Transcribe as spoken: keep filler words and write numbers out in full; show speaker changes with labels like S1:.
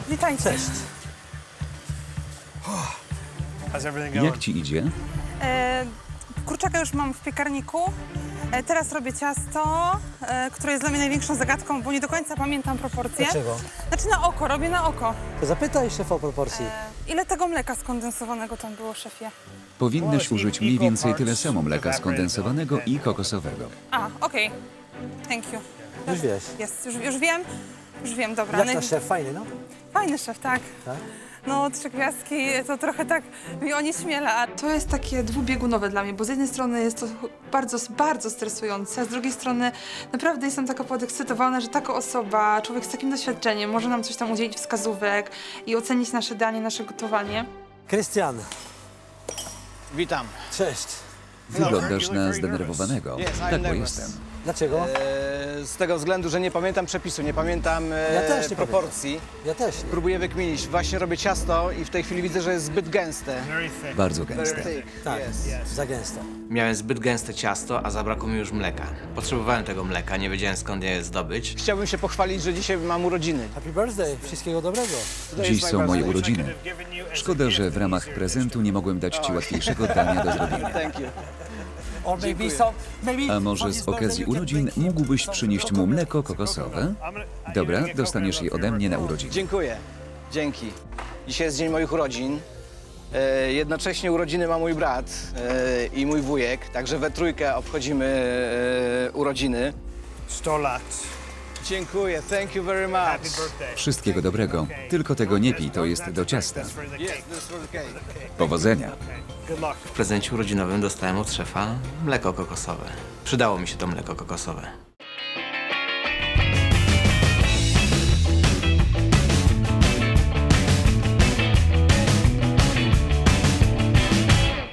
S1: witajcie.
S2: Cześć.
S3: How's everything going?
S4: Jak ci idzie?
S1: E, kurczaka już mam w piekarniku. E, teraz robię ciasto, e, które jest dla mnie największą zagadką, bo nie do końca pamiętam proporcje.
S2: Dlaczego?
S1: Znaczy na oko, robię na oko.
S2: To zapytaj szefa o proporcji.
S1: E, ile tego mleka skondensowanego tam było, szefie?
S4: Powinnaś użyć mniej więcej tyle samo mleka skondensowanego i kokosowego.
S1: A, okej. Thank you.
S2: Już wiesz.
S1: Jest, już, już wiem. Już wiem, dobra.
S2: Jak
S1: No i-
S2: nasz szef? Fajny, no?
S1: Fajny szef, tak.
S2: Tak?
S1: No, trzy gwiazdki to trochę tak mi onieśmiela. A to jest takie dwubiegunowe dla mnie, bo z jednej strony jest to bardzo, bardzo stresujące, a z drugiej strony naprawdę jestem taka podekscytowana, że taka osoba, człowiek z takim doświadczeniem może nam coś tam udzielić wskazówek i ocenić nasze danie, nasze gotowanie.
S2: Krystian,
S5: Witam.
S2: cześć.
S4: Wyglądasz na zdenerwowanego.
S5: Yes, I'm
S4: Tak, bo
S5: nervous.
S4: jestem.
S2: Dlaczego?
S5: E, z tego względu, że nie pamiętam przepisu, nie pamiętam e,
S2: Ja też nie
S5: proporcji.
S2: Ja też nie.
S5: Próbuję wykminić. Właśnie robię ciasto i w tej chwili widzę, że jest zbyt gęste.
S3: Very thick.
S4: Bardzo
S5: Very
S4: gęste.
S5: thick.
S2: Tak,
S5: Yes.
S2: za gęsto.
S6: Miałem zbyt gęste ciasto, a zabrakło mi już mleka. Potrzebowałem tego mleka, nie wiedziałem skąd je zdobyć.
S5: Chciałbym się pochwalić, że dzisiaj mam urodziny.
S2: Happy birthday, wszystkiego dobrego.
S5: Today
S4: Dziś
S5: is my
S4: są moje
S5: birthday.
S4: urodziny.
S3: Could have given you as a
S4: Szkoda, że
S3: gift.
S4: w ramach prezentu nie mogłem dać ci łatwiejszego dania do zrobienia.
S5: Thank you.
S2: Or maybe some, maybe
S4: A może z okazji urodzin mógłbyś przynieść mu mleko kokosowe?
S3: I'm gonna-
S4: Dobra,
S3: you're gonna get
S4: dostaniesz
S3: coconut
S4: je
S3: milk
S4: ode mnie na
S3: for your
S4: urodziny.
S5: Dziękuję. Dzięki. Dzisiaj jest dzień moich urodzin. E, jednocześnie urodziny ma mój brat e, i mój wujek, także we trójkę obchodzimy e, urodziny.
S3: sto lat.
S5: Dziękuję. Thank you very much.
S3: Happy birthday.
S4: Wszystkiego dobrego. Tylko tego nie pij, to jest do ciasta.
S3: That's for the
S5: Yes,
S3: cake.
S5: this for the cake.
S4: Powodzenia.
S3: Good luck.
S6: W prezencie urodzinowym dostałem od szefa mleko kokosowe. Przydało mi się to mleko kokosowe.